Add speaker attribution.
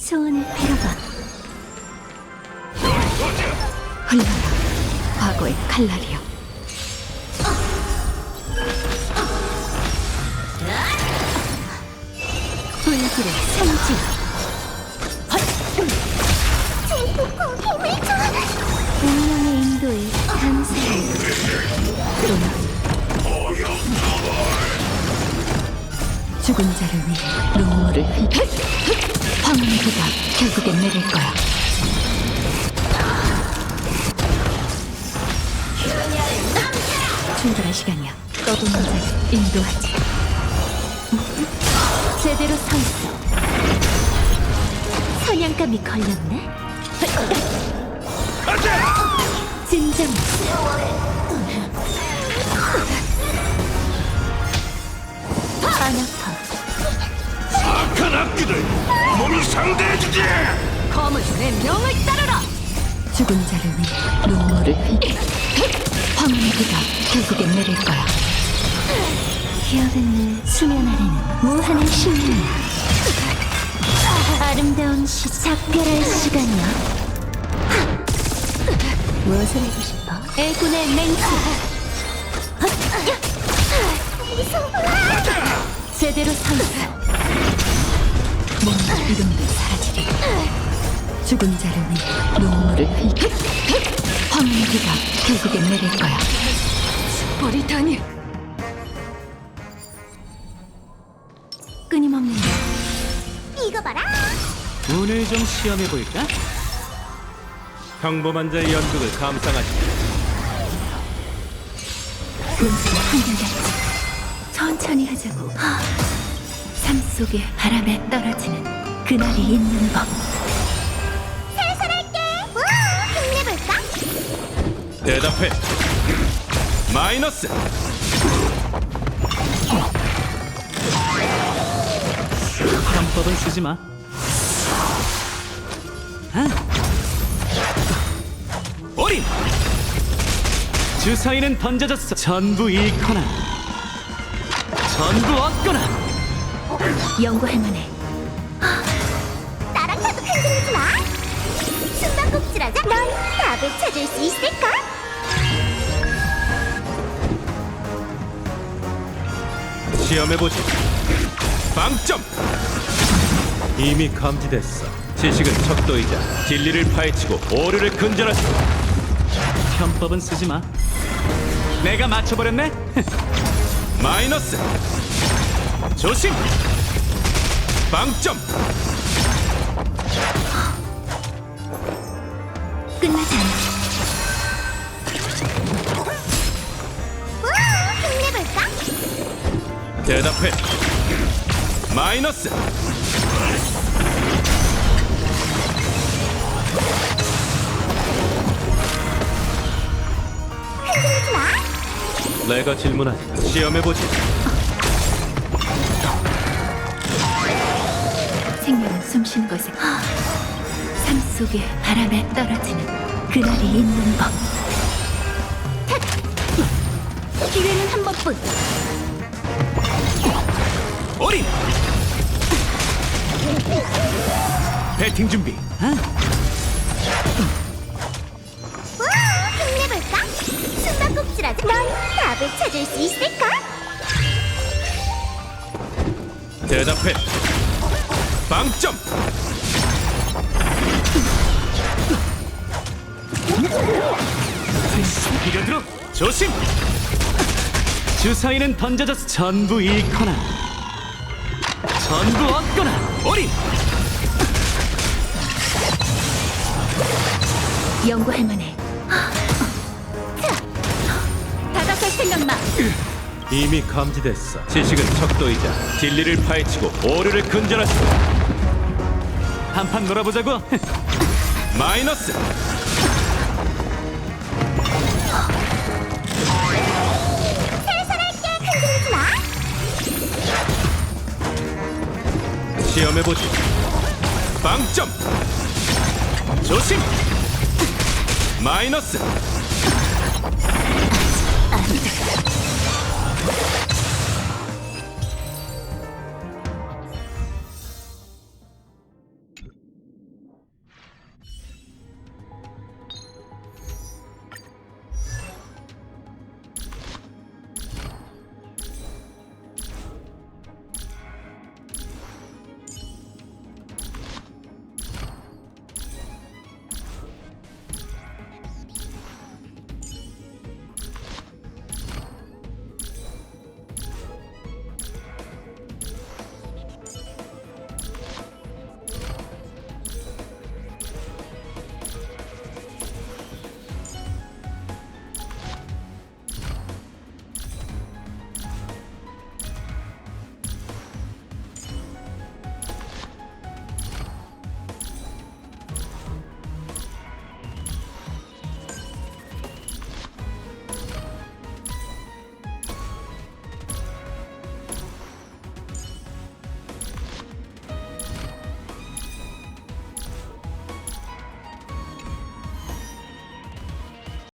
Speaker 1: 소원을 빌어봐. 흘러라, 과거의 칼날이여. 불길의 성지.
Speaker 2: 제포코 힘을 줘!
Speaker 1: 운명의 인도에 감사해. 죽은 자를 위해 눈물을 황혼의 비가 결국엔 내릴 거야. 출발할 시간이야. 떠도는 자를 인도하지. 제대로 서 있어. 사냥감이 걸렸네. 진정. 안 아파.
Speaker 3: 악한 악기들 몸이 상대해주지.
Speaker 1: 거물의 명을 따르라. 죽은 자를 위해 눈물을 황혼의 비가 결국엔 내릴 거야. 기어든 수면 아래는 무한의 신이야. 아름다운 작별할 시간이야. 무엇을 하고 싶어? 애군의 맹세. 제대로 서 있어. 몸과 이름도 사라지리. 죽은 자를 위해 눈물을 황혼의 비가 결국엔 내릴 거야. 버리다니. 끊임없는
Speaker 2: 이거 봐라!
Speaker 3: 오늘 좀 시험해볼까? 평범한 자의 연극을 감상하지.
Speaker 1: 분수가 한결같이 천천히 하자고. 삶 속에 바람에 떨어지는 그날이 있는 법.
Speaker 2: 살살할게! 우! 힘내볼까?
Speaker 3: 대답해. 마이너스. 편법은 쓰지 마. 어린! 주사위는 던져졌어. 전부 잃거나 전부 얻거나.
Speaker 1: 연구할 만해.
Speaker 2: 나랑 나도 흔들리지 마! 숨바꼭질하자! 넌 답을 찾을 수 있을까?
Speaker 3: 시험해보지. 빵점! 이미 감지됐어. 지식은 척도이자 진리를 파헤치고 오류를 근절하지. 편법은 쓰지 마. 내가 맞춰버렸네? 마이너스. 조심! 빵점!
Speaker 1: 끝나지 않아.
Speaker 2: 우! 힘내볼까?
Speaker 3: 대답해. 마이너스.
Speaker 2: 흔들리지 마!
Speaker 3: 내가 질문하지. 시험해보지.
Speaker 1: 생명은 숨쉬는 것에 삶 속에 바람에 떨어지는 그날이 있는 법. 기회는 한 번뿐.
Speaker 3: 어린! 배팅 준비.
Speaker 2: 우! 힘내볼까? 숨바꼭질하자! 넌 답을 찾을 수 있을까?
Speaker 3: 대답해. 빵점! 비벼들어. 조심! 주사위는 던져져서 전부 잃거나 전부 얻거나. 어린!
Speaker 1: 연구할 만해. 다가설 생각 마.
Speaker 3: 이미 감지됐어. 지식은 척도이자 진리를 파헤치고 오류를 근절하지. 한판 놀아보자고. 마이너스.
Speaker 2: 살살할게! 흔들리지 마!
Speaker 3: 시험해보지. 빵점! 조심! 마이너스.